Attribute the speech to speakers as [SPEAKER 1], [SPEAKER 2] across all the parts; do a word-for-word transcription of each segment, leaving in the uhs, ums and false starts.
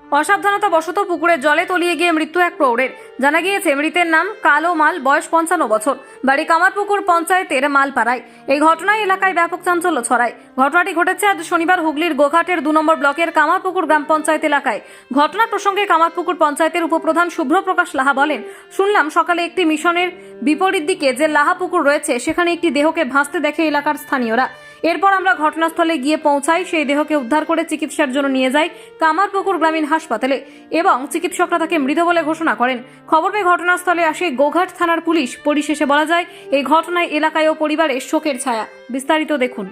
[SPEAKER 1] অসাবধানতা বশত পুকুরের জলে তলিয়ে গিয়ে মৃত্যু এক প্রৌঢ়ের। জানা গিয়েছে মৃতের নাম কালো মাল, বয়স পঞ্চান্ন বছর, বাড়ি কামারপুকুর পঞ্চায়েতের মালপাড়ায়। এই ঘটনায় এলাকায় ব্যাপক চাঞ্চল্য ছড়ায়। ঘটনাটি ঘটেছে আজ শনিবার হুগলির গোঘাটের দু নম্বর ব্লকের কামারপুকুর গ্রাম পঞ্চায়েত এলাকায়। ঘটনা প্রসঙ্গে কামারপুকুর পঞ্চায়েতের উপপ্রধান শুভ্রপ্রকাশ লাহা বলেন, শুনলাম সকালে একটি মিশনের বিপরীত দিকে যে লাহা পুকুর রয়েছে সেখানে একটি দেহকে ভাসতে দেখে এলাকার স্থানীয়রা। এরপর আমরা ঘটনাস্থলে গিয়ে পৌঁছাই, সেই দেহকে উদ্ধার করে চিকিৎসার জন্য নিয়ে যাই কামারপুকুর গ্রামীণ হাসপাতালে এবং চিকিৎসকরা তাকে মৃত বলে ঘোষণা করেন। খবর পেয়ে ঘটনাস্থলে আসে গোঘাট থানার পুলিশ। পরিশেষে বলা যায় এই ঘটনায় এলাকায় ও পরিবারে শোকের ছায়া। বিস্তারিত দেখুন।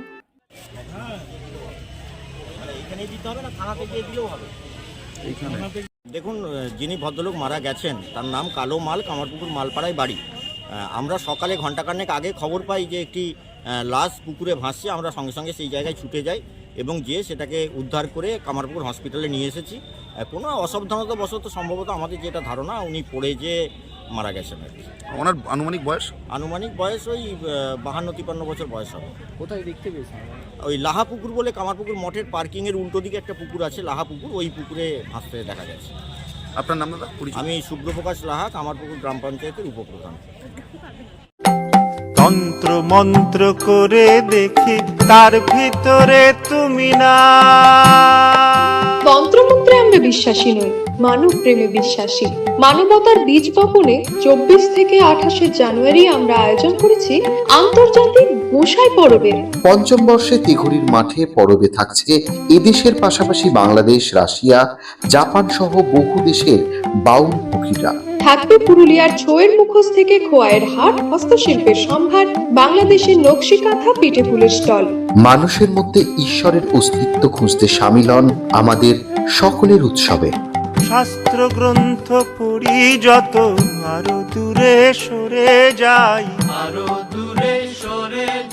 [SPEAKER 2] দেখুন, যিনি ভদ্রলোক মারা গেছেন তার নাম কালো মাল, কামারপুকুর মালপাড়ায় বাড়ি। আমরা সকালে ঘন্টাখানেক আগে খবর পাই যে একটি লাশ পুকুরে ভাসছে। আমরা সঙ্গে সঙ্গে সেই জায়গায় ছুটে যাই এবং গিয়ে সেটাকে উদ্ধার করে কামারপুকুর হসপিটালে নিয়ে এসেছি। কোনো অসাবধানতা বশত সম্ভবত আমাদের যেটা ধারণা উনি পড়ে যে মারা গেছেন আর কি।
[SPEAKER 3] ওনার আনুমানিক বয়স
[SPEAKER 2] আনুমানিক বয়স ওই বাহান্ন তিপ্পান্ন বছর বয়স হবে।
[SPEAKER 4] কোথায় দেখতে পেয়েছেন?
[SPEAKER 2] ওই লাহা পুকুর বলে কামারপুকুর মঠের পার্কিংয়ের উল্টো দিকে একটা পুকুর আছে, লাহা পুকুর, ওই পুকুরে ভাসতে দেখা গেছে।
[SPEAKER 3] আপনার নাম দাদা?
[SPEAKER 2] আমি শুভ্রপ্রকাশ লাহা, কামারপুকুর গ্রাম পঞ্চায়েতের উপপ্রধান।
[SPEAKER 5] তন্ত্র মন্ত্র করে দেখি তার ভিতরে তুমি না।
[SPEAKER 6] তন্ত্রমন্ত্রে আমরা বিশ্বাসী নই, মানব প্রেমে বিশ্বাসী। মানবতার বীজ বপনে চব্বিশ থেকে আঠাশে জানুয়ারি আমরা আয়োজন করেছি আন্তর্জাতিক গোসাই পরবের।
[SPEAKER 7] পঞ্চম বর্ষে তিঘুরির মাঠে পরবে থাকছে এদেশের পাশাপাশি বাংলাদেশ, রাশিয়া, জাপান সহ বহু দেশের বাউল পুকিরা।
[SPEAKER 6] থাকবে পুরুলিয়ার ছোয়ের মুখোশ থেকে খোয়াইয়ের হাট, হস্তশিল্পের সম্ভার, বাংলাদেশের নকশি কাঁথা, পিঠে ফুলের স্টল।
[SPEAKER 7] মানুষের মধ্যে ঈশ্বরের অস্তিত্ব খুঁজতে সামিল হন আমাদের সকলের উৎসবে।
[SPEAKER 5] শাস্ত্র গ্রন্থ পড়ি যত, আরো দূরে সরে যাই, আরো দূরে সরে